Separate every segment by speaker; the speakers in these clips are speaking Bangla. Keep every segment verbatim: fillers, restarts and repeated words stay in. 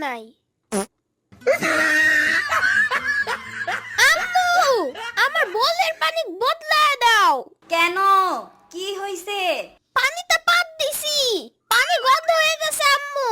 Speaker 1: নাই। আম্মু, আমার বলের পানি বদলায় দাও।
Speaker 2: কেন? কি হইছে?
Speaker 1: পানিতে পাত দিছি, পানি গন্ধ হয়ে গেছে আম্মু।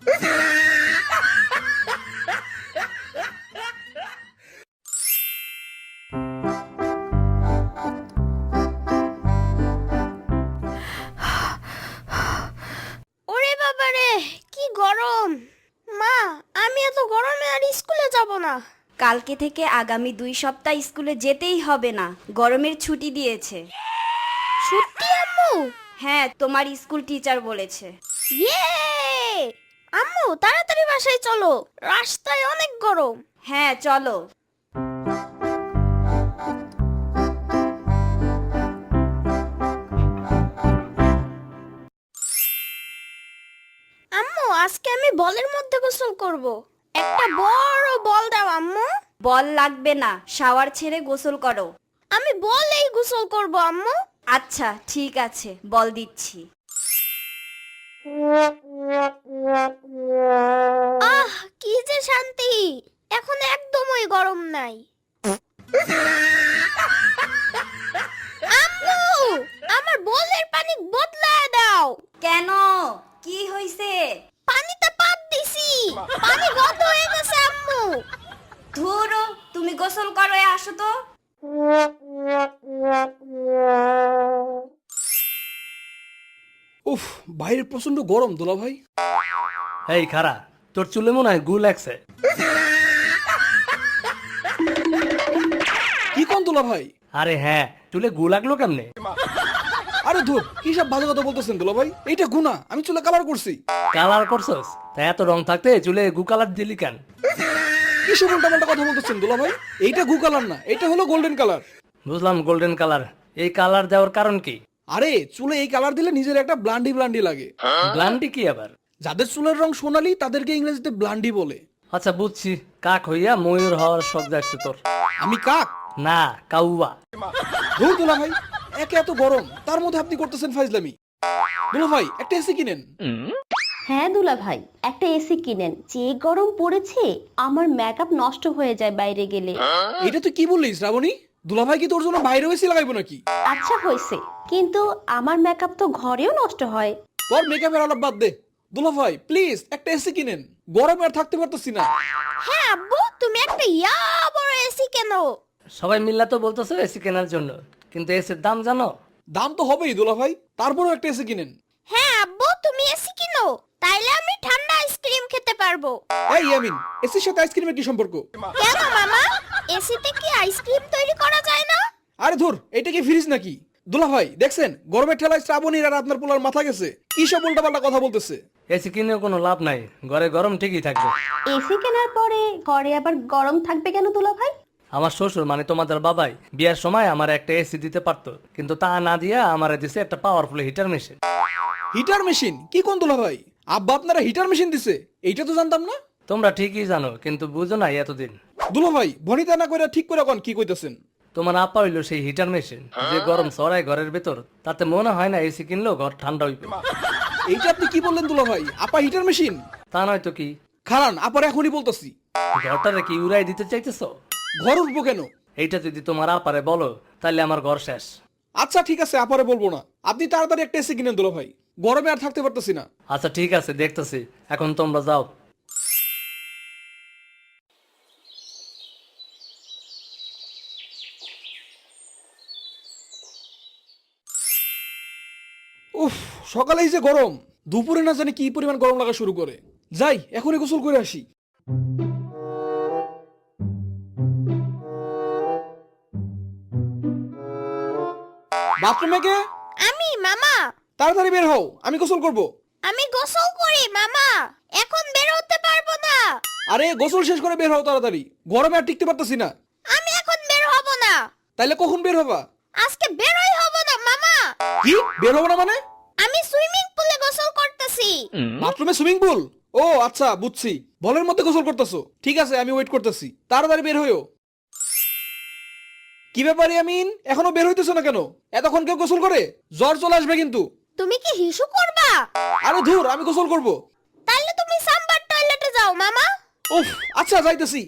Speaker 1: ওরে বাবা রে, কি গরম। মা, আমি এত গরমে আর স্কুলে যাব না।
Speaker 2: কালকে থেকে আগামী দুই সপ্তাহ স্কুলে যেতেই হবে না, গরমের ছুটি দিয়েছে।
Speaker 1: সত্যি আম্মু?
Speaker 2: হ্যাঁ, তোমার স্কুল টিচার বলেছে।
Speaker 1: ইয়ে! আম্মু তাড়াতাড়ি বাসায় চলো, রাস্তায় অনেক গরম।
Speaker 2: হ্যাঁ চলো।
Speaker 1: আম্মু, আজকে আমি বলের মধ্যে গোসল করব। একটা বড় বল দাও আম্মু।
Speaker 2: বল লাগবে না, শাওয়ার ছেড়ে গোসল করো।
Speaker 1: আমি বলেই গোসল করব আম্মু।
Speaker 2: আচ্ছা ঠিক আছে, বল দিচ্ছি।
Speaker 1: আহ, কি যে শান্তি। এখন একদমই গরম নাই। আম্মু, আমার বলের পানি বদলায় দাও।
Speaker 2: কেন? কি হইছে?
Speaker 1: পানিতে পাত দিছি, পানি গন্ধ হয়ে গেছে আম্মু।
Speaker 2: ধুরো, তুমি গোসল করো, এ আসো তো।
Speaker 3: উফ, বাইরে প্রচন্ড গরম দোলা ভাই।
Speaker 4: এই খারা, তোর চুলে মনে হয় গু লাগছে।
Speaker 3: কি কোন দোলা ভাই?
Speaker 4: আরে হ্যাঁ, চুলে গু লাগলো কেমনে?
Speaker 3: আরে ধুর, কি সব বাজে কথা বলতেছেন দোলা ভাই? এইটা গুনা, আমি চুলে কালার করছি।
Speaker 4: কালার করছস? তা এত রং থাকতে চুলে গু কালার দিলি কেন?
Speaker 3: কি সব উল্টাপাল্টা কথা বলতেছেন দোলা ভাই? এইটা গু কালার না, এটা হলো গোল্ডেন কালার।
Speaker 4: বুঝলাম গোল্ডেন কালার। এই কালার দেওয়ার কারণ কি?
Speaker 3: আরে চুলে এই কালার দিলে নিজের একটা ব্লান্ডি ব্লান্ডি লাগে।
Speaker 4: ব্লান্ডি কি আবার?
Speaker 3: যাদের চুলের রং সোনালী তাদেরকে ইংরেজিতে ব্লান্ডি বলে।
Speaker 4: আচ্ছা বুঝছি, কাক হইয়া ময়ূর হওয়ার শখ জাগছে তোর।
Speaker 3: আমি কাক
Speaker 4: না, কাউয়া।
Speaker 3: ধুর দোলা ভাই, একে এত গরম, তার মধ্যে আপনি করতেছেন ফাইজলামি। দোলা ভাই, একটা এসি কিনেন।
Speaker 5: হ্যাঁ দুলা ভাই, একটা এসি কিনেন। যে গরম পড়েছে, আমার মেকআপ নষ্ট হয়ে যায় বাইরে গেলে।
Speaker 3: এটা তুই কি বললি শ্রাবণী? দুলা ভাই কি তোর জন্য বাইরে এসি লাগাইবো নাকি?
Speaker 5: আচ্ছা হয়েছে, কিন্তু আমার মেকআপ তো ঘরেও নষ্ট হয়।
Speaker 3: তোর মেকআপের আলাপ বাদ দে। দুলা ভাই প্লিজ একটা এসি কিনেন, গরমে আর থাকতে পারতেছি না।
Speaker 1: হ্যাঁ আব্বু, তুমি একটা ইয়া বড় এসি কেন?
Speaker 4: সবাই মিল্লা তো বলতেছে এসি কেনার জন্য, কিন্তু এসির দাম জানো?
Speaker 3: দাম তো হবেই দুলা ভাই, তারপরেও একটা এসি কিনেন।
Speaker 1: হ্যাঁ আব্বু, তুমি এসি কিনো, তাইলে আমি ঠান্ডা আইসক্রিম খেতে পারবো।
Speaker 3: এই ইয়ামিন, এসির সাথে আইসক্রিমের কি সম্পর্ক?
Speaker 1: কেন মামা, এসিতে কি আইসক্রিম তৈরি করা যায় না?
Speaker 3: আরে ধুর, এটা কি ফ্রিজ নাকি? দুলা ভাই দেখছেন, গরমের ঠেলায় শ্রাবণীর আর আপনার পোলার মাথা গেছে। কি সব উল্টাপাল্টা কথা বলতেছে?
Speaker 4: এসি কিনেও কোনো লাভ নাই, ঘরে গরম ঠিকই থাকবে।
Speaker 5: এসি কেনার পরে ঘরে আবার গরম থাকবে কেন দুলা ভাই?
Speaker 4: আমার শ্বশুর মানে তোমাদের বাবাই বিয়ার সময় আমার একটা এসি দিতে পারতো, কিন্তু তা না দিয়া আমারে দিছে একটা powerful heater machine.
Speaker 3: Heater machine? কি কোন দুলা ভাই? আব্বা আপনারা হিটার মেশিন দিছে? এইটা তো জানতাম না।
Speaker 4: তোমরা ঠিকই জানো, কিন্তু বুঝো নাই এতদিন।
Speaker 3: দুলা ভাই বনিতা না কইরা ঠিক করে কোন কি কইতাছেন?
Speaker 4: তোমার আপা হইলো সেই হিটার মেশিন, যে গরম ছড়ায় ঘরের ভেতর, তাতে মনে হয় না এসি কিনলেও ঘর ঠান্ডা হইবে।
Speaker 3: এইটা আপনি কি বললেন দুলা ভাই? আপা হিটার মেশিন?
Speaker 4: তা নয় তো কি?
Speaker 3: খারান, আপার এখনই বলতাছি।
Speaker 4: ঘরটারে কি উড়াই দিতে চাইতেছ?
Speaker 3: ঘর উঠবো কেন?
Speaker 4: এইটা যদি তোমার আপারে বলো, তাহলে আমার ঘর শেষ।
Speaker 3: আচ্ছা ঠিক আছে, আপারে বলবো না। আপনি তাড়াতাড়ি একটা এসি কিনেন দুলা ভাই, গরমে আর থাকতে পারতেছি না।
Speaker 4: আচ্ছা ঠিক আছে, দেখতেছি। এখন তোমরা যাও।
Speaker 3: উফ, সকালেই যে গরম, দুপুরে না জানি কি পরিমাণ গরম লাগা শুরু করে। যাই এখনই গোসল করে আসি। বাথরুমে কে?
Speaker 1: আমি মামা।
Speaker 3: তাড়াতাড়ি বের হও, আমি গোসল করব।
Speaker 1: আমি গোসল করি মামা, এখন বের হতে পারবো না।
Speaker 3: আরে গোসল শেষ করে বের হও তাড়াতাড়ি, গরমে আর টিকতে পারতেছি না।
Speaker 1: আমি এখন বের হব না।
Speaker 3: তাইলে কখন বের হবা?
Speaker 1: আজকে বেরই হব না মামা।
Speaker 3: কি বের হবো না মানে?
Speaker 1: আমি সুইমিং পুলে গোসল করতেছি।
Speaker 3: বাথরুমে সুইমিং পুল? ও আচ্ছা বুঝছি, বলের মধ্যে গোসল করতেছো। ঠিক আছে, আমি ওয়েট করতেছি, তাড়াতাড়ি বের হইও। কি ব্যাপার ইয়ামিন, এখনো বের হইতেছো না কেন? এতক্ষণ কেউ গোসল করে? জ্বর চলে আসবে কিন্তু।
Speaker 1: তুমি কি হিসু করবা?
Speaker 3: আরে ধুর, আমি গোসল করব।
Speaker 1: তাইলে তুমি সাম্বার টয়লেটে যাও মামা।
Speaker 3: উফ, আচ্ছা যাইতেছি।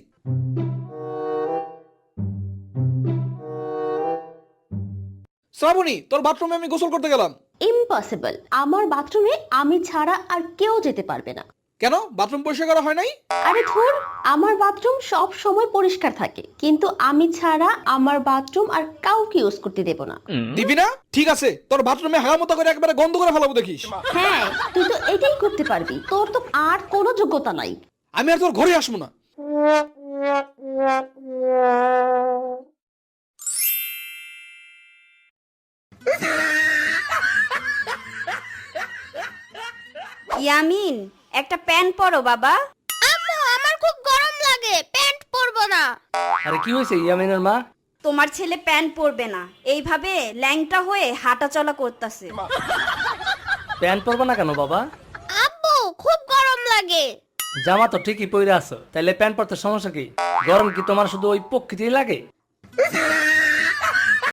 Speaker 3: শ্রাবণী, তোর বাথরুমে আমি গোসল করতে গেলাম।
Speaker 5: ইম্পসিবল, আমার বাথরুমে আমি ছাড়া আর কেউ যেতে পারবে না।
Speaker 3: কেন, বাথরুম পরিষ্কার করা হয় নাই?
Speaker 5: আরে ধুর, আমার বাথরুম সব সময় পরিষ্কার থাকে, কিন্তু আমি ছাড়া আমার বাথরুম আর কাউকে ইউজ করতে দেব না।
Speaker 3: দিবি না? ঠিক আছে, তোর বাথরুমে হাগামতো করে একবারে গন্ধ করে ফেলাবো দেখিস।
Speaker 5: হ্যাঁ, তুই তো এটাই করতে পারবি, তোর তো আর কোনো যোগ্যতা নাই।
Speaker 3: আমি আর তোর ঘরে আসবো না।
Speaker 2: ইয়ামিন, একটা প্যান্ট পরো বাবা।
Speaker 1: আম্মু আমার খুব গরম লাগে, প্যান্ট পরবো না।
Speaker 4: আরে কি হয়েছে ইয়ামিনের মা?
Speaker 2: তোমার ছেলে প্যান্ট পরবে না, এইভাবে ল্যাংটা হয়ে হাঁটা চলা করতেছে।
Speaker 4: প্যান্ট পরবো না কেন বাবা?
Speaker 1: আব্বু খুব গরম লাগে।
Speaker 4: জামা তো ঠিকই পরে আছো, তাইলে প্যান্ট পরতে সমস্যা কি? গরম কি তোমার শুধু ওই প্রকৃতি লাগে?